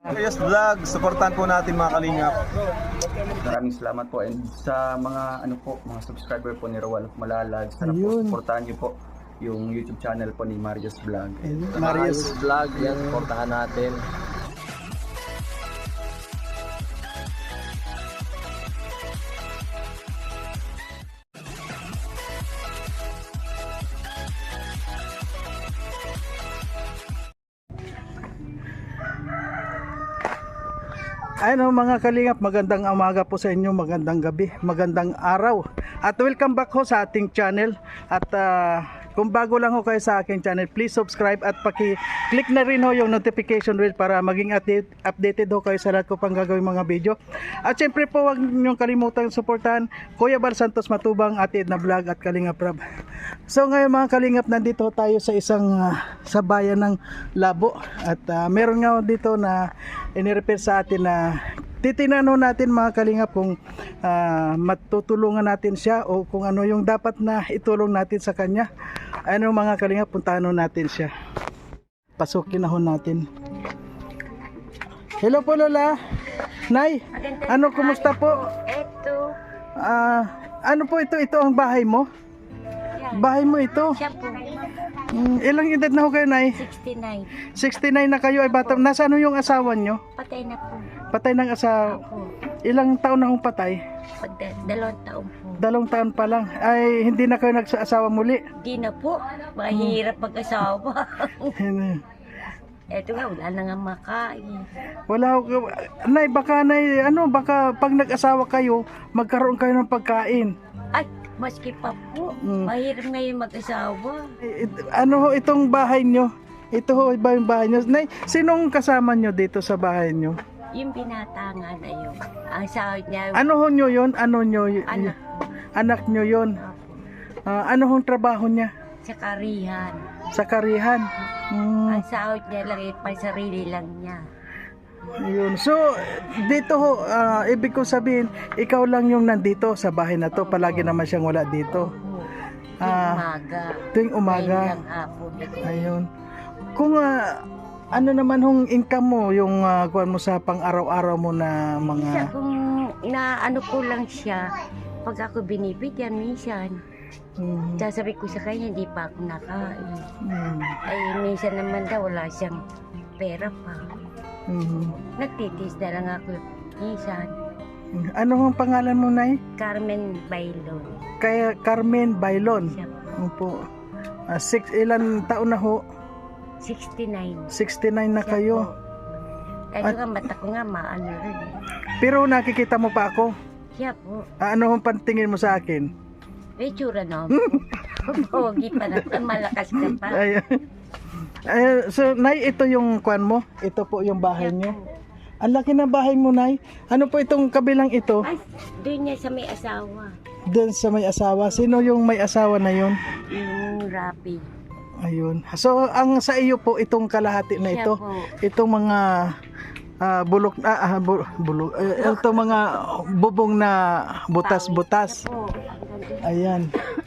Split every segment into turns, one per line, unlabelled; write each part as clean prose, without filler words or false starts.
Yes Vlog, supportan po natin mga kalingap.
Maraming salamat po, and sa mga mga subscriber po ni Roel of Malalag, sana po
Ayun.
supportahan niyo po yung YouTube channel po ni Marius Vlog.
Marius.
Vlog, yan, supportahan natin.
Ayun mga kalingap, magandang umaga po sa inyo, magandang gabi, magandang araw. At welcome back ho sa ating channel. At kung bago lang ho kayo sa aking channel, please subscribe at paki-click na rin ho yung notification bell para maging updated ho kayo sa lahat ko pang gagawin mga video. At syempre po, huwag niyong kalimutang suportahan Kuya Bal Santos Matubang, Ate Edna Vlog at Kalingap Rab. So ngayon mga kalingap, nandito tayo sa isang sa bayan ng Labo. At meron nga dito na inirepair sa atin na titingnan natin mga kalingap kung matutulungan natin siya o kung ano yung dapat na itulong natin sa kanya. Ano mga kalingap, puntahan natin siya. Pasukin na natin. Hello po Lola. Nay, ano kumusta po?
Eto,
Ano po ito? Ito ang bahay mo? Bahay mo ito?
siya po,
Ilang edad na ho kayo, Nay?
69.
69 na kayo ay bata. Nasaan yung asawa nyo?
Patay na po.
Patay ng asawa.
Ako,
Ilang taon na hong patay?
2 taon po.
2 taon pa lang. Ay, hindi na kayo nagsasawa muli.
Di na po, mahirap mag-asawa. Eto nga, wala na nga makain.
Wala ho. Nay, baka baka pag nag-asawa kayo, magkaroon kayo ng pagkain.
Ay, maski pa po, mahirap ngayon mag-asawa.
Ano ho itong bahay nyo? Ito ho ba yung bahay nyo? Nay, sinong kasama nyo dito sa bahay nyo?
Yung binata nga na yun, ang sahod niya,
Ano ho nyo yun? Ano nyo?
anak
Anak nyo yun?
ko,
Ano hong trabaho niya?
sa karihan.
Sa karihan?
Ang sahod niya lang, pang sarili lang niya.
Yun. So, dito ho, ibig ko sabihin, ikaw lang yung nandito sa bahay na to. Palagi naman siyang wala dito.
Yung
Ah,
umaga.
Tuwing umaga.
Ngayon lang hapon.
Ayun. Kung ano naman hong income mo, yung kuwan mo sa pang-araw-araw mo na
Isa
mga...
kung naano ko lang siya, pag ako binibigyan minsan,
Mm,
sasabi ko sa kanya, hindi pa ako nakain.
mm,
Ay, minsan naman daw, wala siyang pera pa.
mm.
Nagtitis na lang ako minsan.
Ano hong pangalan mo, Nay?
Carmen Bailon.
Kaya Carmen Bailon.
Siya,
Opo. Ilan taon na ho?
69.
69 na
Siya
kayo.
po. Kaya nga, mata ko nga, maano rin eh.
Pero nakikita mo pa ako.
Siya po.
Ano hong pantingin mo sa akin?
May tsura na po. Pogi pa na, malakas ka pa.
Ayun. So, Nay, ito yung kwan mo? Ito po yung bahay
Siya
niyo?
po.
Ang laki ng bahay mo, Nay. Ano po itong kabilang ito?
Ay, doon niya sa may asawa.
Doon sa may asawa. Sino yung may asawa na yun?
Yung Rapi.
Ayun. So, ang sa iyo po, itong kalahati na
Siya
ito,
po.
itong mga itong mga bubong na butas-butas.
Siya po.
Ayan.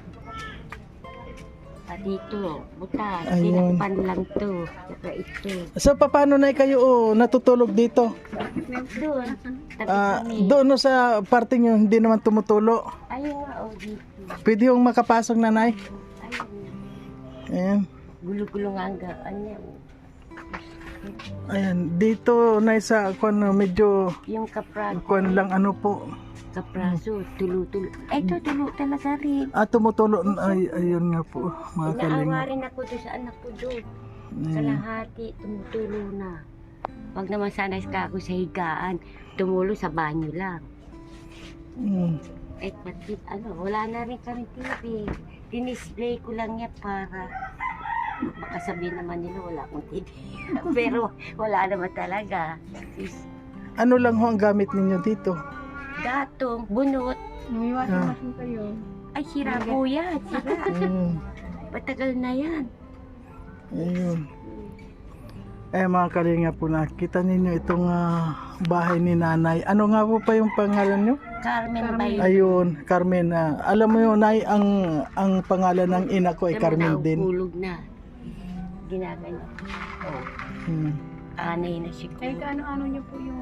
Dito, butas.
Ayun.
Tinakpan lang to. Saka ito.
So, paano na kayo natutulog dito?
Doon. Tabi kami.
Doon no, sa parte nyo, hindi naman tumutulo.
Ayun nga, o dito.
Pwede yung makapasok na, Nay.
Ayun.
Ayan.
Gulo-gulo nga ang gaan niya.
Ayan. Dito, Nay, sa medyo
Yung kapraso.
kuwan lang ano po.
Kapraso, tulo-tulo. Ito, tulo talaga rin.
Tumutulo. Ayun nga po, mga
Inaawa
kalinga.
rin ako doon sa anak ko doon.
Ayan.
Kalahati, tumutulo na. Pag naman sanay ka ako sa higaan, tumulo sa banyo lang.
Mm.
Eh, pati, wala na rin kami TV. Dinisplay ko lang niya para baka sabihin naman nila wala akong TV. Pero wala naman talaga.
Ano lang ho ang gamit ninyo dito?
Gatong, bunot.
Ah.
Ay, sira po yan. Sira.
Mm.
Patagal na yan.
Ayun. Mga kalinga po, nakita ninyo itong bahay ni Nanay. Ano nga po pa yung pangalan nyo?
Carmen Bayo.
Ayun, Carmen. Alam mo yun, Nay, ang pangalan ng ina ko ay Carmen din.
Hulog na. Ginaganyan. Oh.
Hmm.
Anay na siguro.
Eh, kaano-ano niyo po yung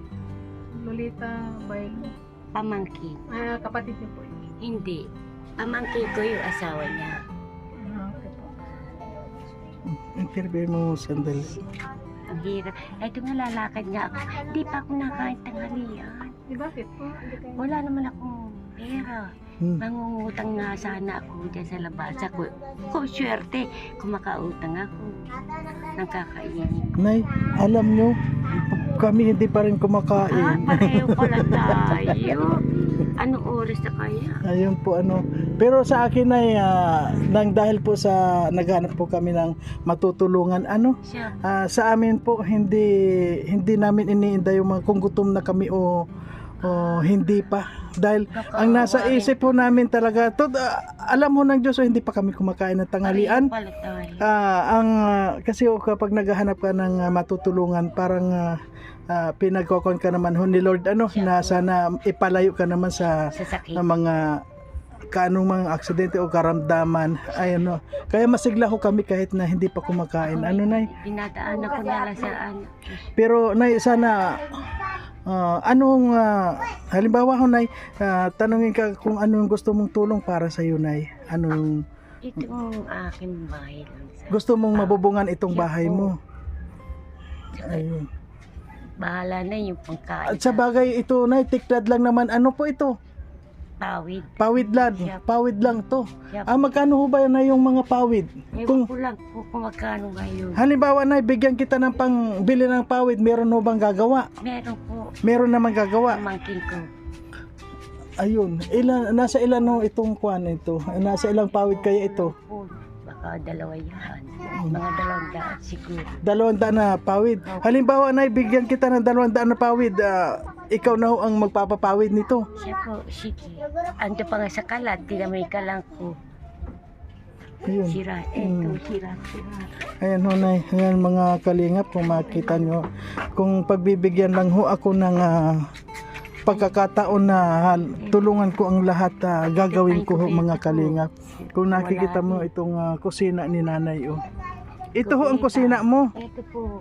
Lolita Bailo?
Pamangkin.
Kapatid niyo po yun.
Hindi. Pamangkin ko yung asawa niya.
Okay po.
Interview mo sandali.
Ang hirap. Ito nga lalakad nga ako. Di pa ako nakain tanghalian.
Di bakit po? Hindi kayo.
Wala naman akong pera. Mangungutang nga sana ako dyan sa labasa ko. Kung swerte, kung makautang ako. Nang kakainin.
Nay, alam nyo, kami hindi pa rin
Ah,
kumakain.
pareho pala tayo. Anong oras na kaya?
Ayun po ano. Pero sa akin ay nang dahil po sa naghanap po kami ng matutulungan ano.
Siya.
Sa amin po hindi namin iniinda yung mga kung gutom na kami o hindi pa. Dahil ang nasa isip po namin talaga alam mo ng Diyos hindi pa kami kumakain ng tanghalian.
Pareho pala tayo.
Kasi kapag naghahanap ka ng matutulungan parang pinagkokon ka naman ho ni Lord ano na sana ipalayo ka naman sa
Sasakit.
mga kanong mga aksidente o karamdaman ay ano kaya masigla ho kami kahit na hindi pa kumakain ano nay
Dinadaanan ko na lang sa
pero nay sana anong halimbawa ho nay tanungin ka kung anong gusto mong tulong para sa iyo nay anong
itong aking bahay lang.
gusto mong mabubungan itong bahay mo ayun.
Bahala na yung pangkain.
At sa bagay ito na tiklad lang naman ano po ito
Tawid.
pawid lang to
Yep.
magkano ho ba na yung mga pawid
Ewan ko lang kung magkano ngayon.
halimbawa na bigyan kita ng pangbili ng pawid meron ho bang gagawa
Meron po.
meron naman gagawa
Pamangkin ko.
ayun nasa ilan ho itong kwan ito nasa ilang pawid kaya ito
Po, baka dalawa yan. Mga 200 siguro.
200 na pawid halimbawa na bigyan kita ng 200 na pawid ikaw na ho ang magpapapawid nito
Siya po, sige. Ando pa nga sa kalat, tinamay ka lang ko.
ayun
Sira, eto, sira.
ayan ho nay ayan mga kalingap kung makita nyo kung pagbibigyan lang ho ako ng pagkakataon na tulungan ko ang lahat gagawin ko ho mga kalingap kung nakikita mo itong kusina ni nanay oh. Ito ho ang kusina mo
Ito po,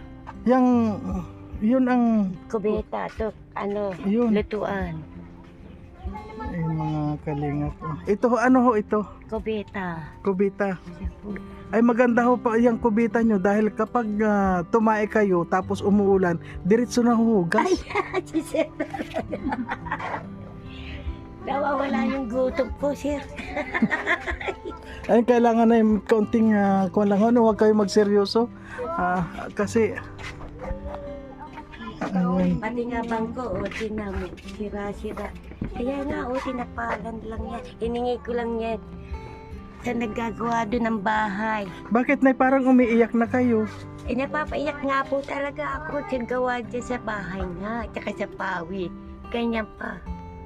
yun ang
kubeta, to,
Yun.
lutuan.
ay mga kalingap oh. Ito ho ano ho ito
Kubeta.
kubita
Siya po.
ay maganda ho pa yung kubita nyo dahil kapag tumae kayo tapos umuulan diretso na hugas
Sir. Nawawala yung gutom ko, sir.
ay kailangan na yung kaunting kung lang ano huwag kayo magseryoso kasi ayun.
Pati nga bangko, tinamo, sira-sira. Kaya nga, tinapalan lang yan. Hiningi ko lang yan sa naggagawa doon ng bahay.
Bakit na parang umiiyak na kayo?
Napapaiyak nga po talaga ako sa gawa dyan sa bahay nga, tsaka sa pawid. Ganyan pa.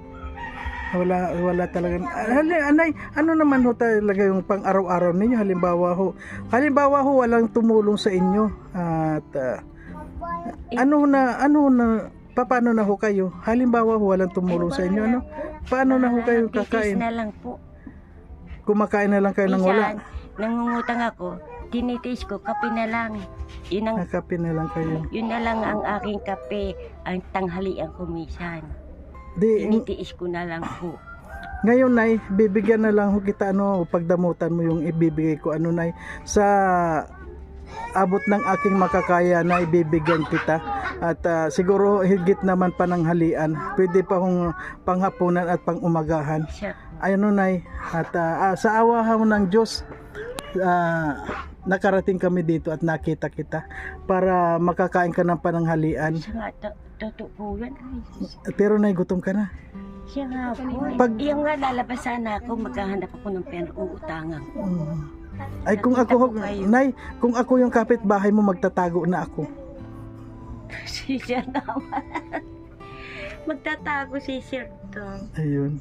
Wala talaga. Anay, ano naman ho talaga yung pang araw-araw ninyo? Halimbawa ho walang tumulong sa inyo at ano na paano na ho kayo? Halimbawa ho walang tumulong sa inyo ano? Paano na ho kayo kakain?
Titis na lang po.
Kumakain na lang kayo ng wala.
Minsan, nangungutang ako, tinitis ko, kape na lang. Yun,
Nakapin na lang kayo.
yun na lang ang aking kape, ang tanghalian ko minsan.
Di,
Tinitiis ko na lang po.
ngayon nay, bibigyan na lang ho kita pagdamutan mo yung ibibigay ko nay sa abot ng aking makakaya na ibibigyan kita at siguro higit naman pananghalian pwede pa hong panghapunan at pangumagahan
Siya.
ayun nay at sa awa ho ng Diyos nakarating kami dito at nakita kita para makakain ka ng pananghalian
Siya nga, totoo po yan. Ay,
pero nay gutom ka na
siya nga po.
Pag-
Yung nga lalabas sana ako, maghahanap ako ng pera, uutangan ko.
ay kung ako nay kung ako yung kapitbahay mo magtatago na ako
Siya naman. Magtatago si Sir to.
ayun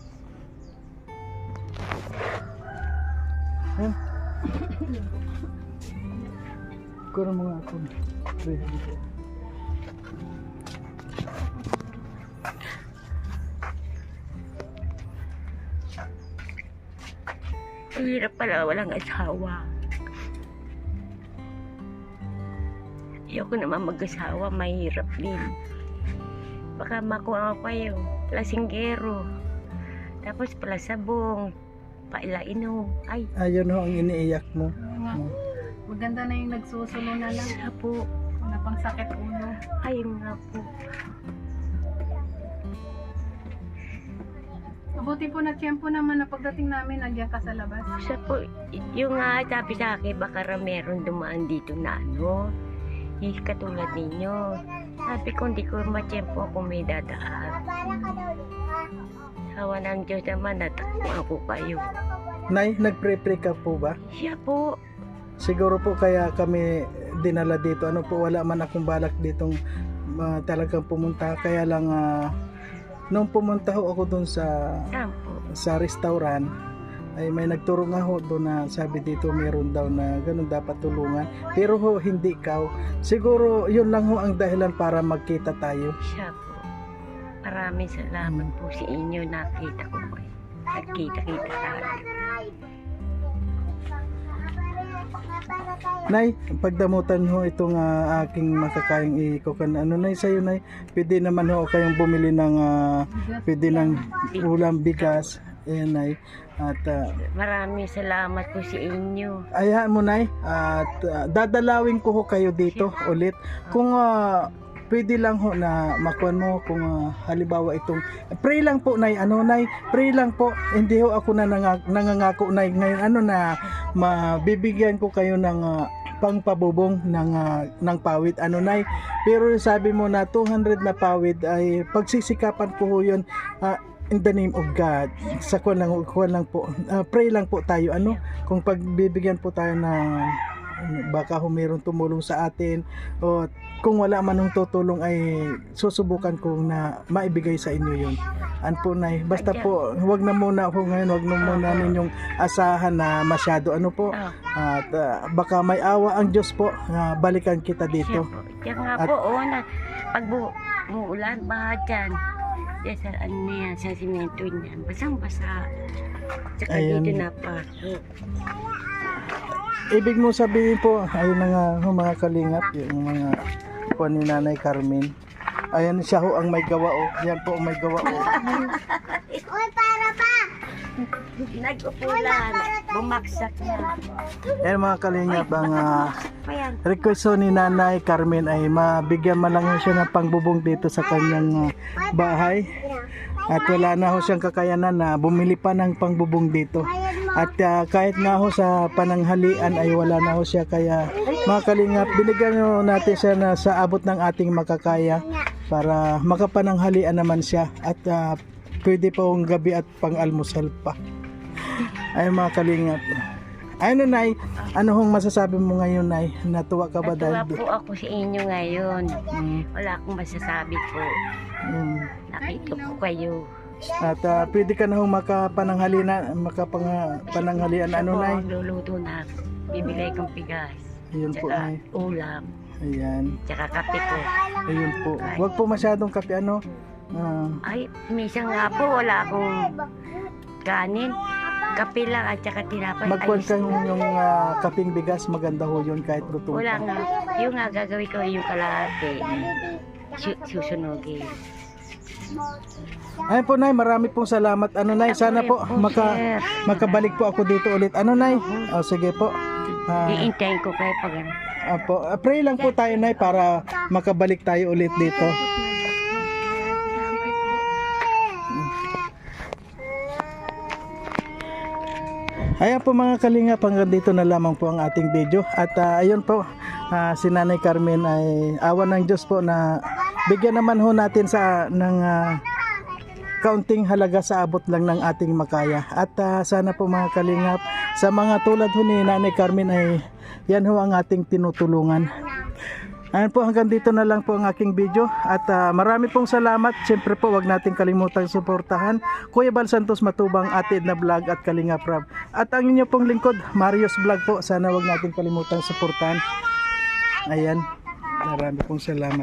kurang mga ako
Ang hirap pala, walang asawa. Ayoko naman mag-asawa, mahirap din. Baka makuha ko kayo, lasinggero. Tapos palasabong, pailainom. Ay,
Ayun ho ang iniiyak mo.
Oo nga. Maganda na yung nagsusulo na lang.
siya po.
Na pang sakit ulo.
Ayun nga po.
Mabuti po na tiyempo naman na pagdating namin, nandiyan ka sa labas.
Siya po, yung nga sabi sa akin, baka meron dumaan dito na ano. Katulad ninyo. Sabi ko, hindi ko matiyempo ako may dadaan. Hawa ng Diyos naman, natakbo ako kayo.
Nay, nagpre-pray ka po ba?
Siya po.
Siguro po kaya kami dinala dito. Ano po, wala man akong balak ditong talagang pumunta. Kaya lang nung pumunta ho ako doon
Saan po?
sa restaurant, ay may nagturo nga ho doon na sabi dito meron daw na ganun dapat tulungan. Pero ho, hindi ikaw. Siguro yun lang ho ang dahilan para magkita tayo.
Siya po. Maraming salamat po sa inyo. Nakita ko po. Nagkita-kita tayo.
Nay, pagdamutan ho itong aking makakayang ikukan. Ano nay sa'yo nay? Pwede naman ho kayong bumili ng pwede ng ulam, bigas. Ayan nay. At
Maraming salamat po sa inyo.
ayahan mo nay. At dadalawin ko ho kayo dito ulit. Kung pwede lang ho na makuan mo kung halimbawa itong pray lang po nay, ano nay, pray lang po. Hindi ho ako na nangangako nay ngayon ano na mabibigyan ko kayo ng pangpabubong ng pawid ano nay. Pero sabi mo na 200 na pawid ay pagsisikapan ko ho yun in the name of God. Sa kuwan lang po. Pray lang po tayo ano kung pagbibigyan po tayo na baka mayroong tumulong sa atin o kung wala man ng tutulong ay susubukan kong na maibigay sa inyo yun. Po nay, basta po wag na muna ako ngayon, wag na muna ninyong asahan na masyado ano po. At baka may awa ang Diyos po, balikan kita
Siya
dito.
po. Diyan nga po, pag umuulan, baha dyan. Diyan sa ano na yan, sa simento niyan. Basang-basa. Tsaka
Ayan.
dito napasok.
Ibig mo sabihin po, ayun na nga ho, mga kalingap, yung mga po ni Nanay Carmen. Ayan siya ho ang may gawa o. Yan po ang may gawa o.
Nag-upulan, bumaksak na.
Ayan mga kalingap, ang
Ayan.
request ho ni Nanay Carmen ay mabigyan man lang ho siya ng pangbubong dito sa kanyang bahay. At wala na ho siyang kakayanan na bumili pa ng pangbubong dito. At kahit nga ho sa pananghalian ay wala na ho siya. Kaya mga kalingap, binigyan ho natin siya na sa abot ng ating makakaya para makapananghalian naman siya. At pwede pa hong gabi at pang-almusal pa. Ay mga kalingap. Ano nay, ano hong masasabi mo ngayon nay? Natuwa ka ba
Natuwa
dahil?
po ako sa inyo ngayon. Wala akong masasabi po. Nakita ko kayo.
At pwede ka na hong makapananghalian ano nay?
Luluto na. Bibigay kong bigas.
Ayun po
Tsaka
nay.
ulam.
Ayan.
Tsaka kape po.
Ayun po. Huwag po masyadong kape ano.
Ay, minsan nga po wala akong kanin. Kape lang at tsaka tinapay.
Magkuhan
Ayos
ka
na.
yung kaping bigas, maganda ho yun kahit luto.
Wala nga. Yung nga gagawin ko yung kalahati. Susunogin.
Ayun po nay, marami pong salamat. Ano nay, sana po
Sir.
makabalik po ako dito ulit. Ano nay? O sige po.
Iintayin ko kayo pag ano.
Pray lang po tayo nay para makabalik tayo ulit dito. Ayan po mga kalingap, hanggang dito na lamang po ang ating video. At ayun po, si Nanay Carmen ay awa ng Diyos po na bigyan naman ho natin ng kaunting halaga sa abot lang ng ating makaya. At sana po mga kalingap, sa mga tulad ho ni Nanay Carmen ay yan ho ang ating tinutulungan. Ayan po, hanggang dito na lang po ang aking video. At marami pong salamat. Siyempre po, wag natin kalimutang suportahan Kuya Bal Santos Matubang, Ate Edna Vlog at Kalinga Prab. At ang inyo pong lingkod, Marius Vlog po. Sana wag natin kalimutang suportahan. Ayan, marami pong salamat.